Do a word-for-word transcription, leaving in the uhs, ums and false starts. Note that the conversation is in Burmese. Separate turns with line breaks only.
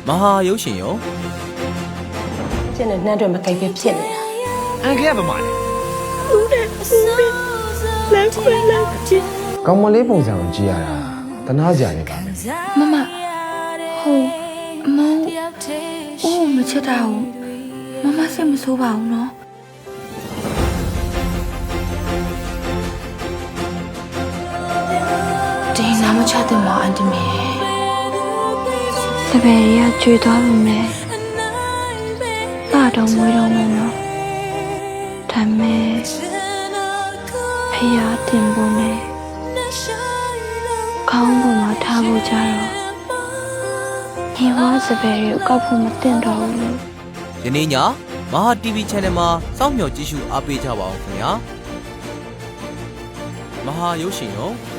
မဟာရုပ်ရှင်ရော
ကျင်းနဲ့နှမ်းတွေမကိတ်ပဲဖြစ်နေတာ
အန်ကယ်ကဘာမှလဲ
ဦးနဲ့ဦးမင်းလက်ခွဲလက်ချစ်
ကောင်းမလေးပုံစံကိုကြည့်ရတာတနာစရာနေပါမယ်
မမဟိုမောင်ဦးမချစ်တာဘူးမမစိတ်မဆိုးပါဘူးနော်ဒီနာမချတဲ့မောင်အန်တီမေတပည့်ရကျွေးသွားလို့မယ်ပါတော့မွေးတော့မယ်နော်ဒါမဲ့ဖျားတင်ဖို့မယ်ခေါင်းပေါ်မှာထားဖို့ကြတော့ညီဝါစပယ်ကိုကောက်ဖို့မတင်တော့ဘူးလို့
ယနေ့ညမဟာ တီဗီ Channel မှာစောင့်မျှော်ကြည့်ရှုအားပေးကြပါအောင်ခင်ဗျာမဟာရုပ်ရှင်ရော